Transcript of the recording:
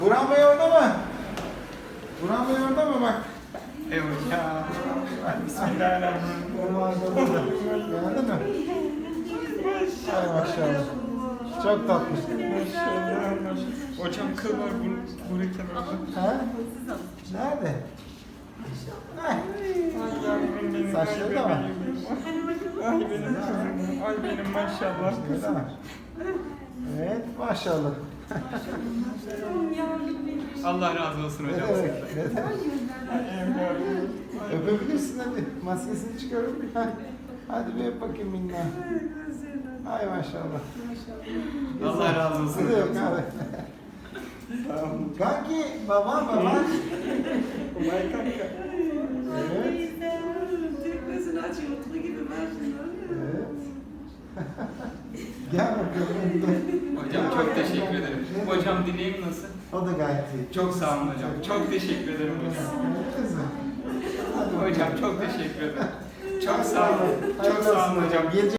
Burhan Bey orada mı? Burhan Bey orada mı bak? Hocam. Bismillahirrahmanirrahim. Geldin mi? Ay maşallah. Çok tatlı. Maşallah. Hocam kıl var buraya kenarda. Ha? Nerede? Ay. Saçları da var. Ay benim kızım. Ay benim maşallah Öyle kızım. mi? Evet maşallah. Allah razı olsun Ne hocam. demek? Ne demek? Öpebilirsin hadi. Maskesini çıkarıp. Hadi bir öp bakayım minna. Ay maşallah. Allah razı olsun Ne demek hocam. abi? Kanki baba. Umay kanka. Evet. Gözünü açıyor, mutlu gibi ver şunu. Evet. Gel bakalım. Hocam çok teşekkür ederim. Hocam dileğim nasıl? O da gayet iyi. Çok sağ olun hocam. Çok teşekkür ederim hocam. Kızım. Hadi Hocam çok teşekkür ederim. Çok sağ olun. Çok Hayırlı sağ olsun olun hocam. Gelecek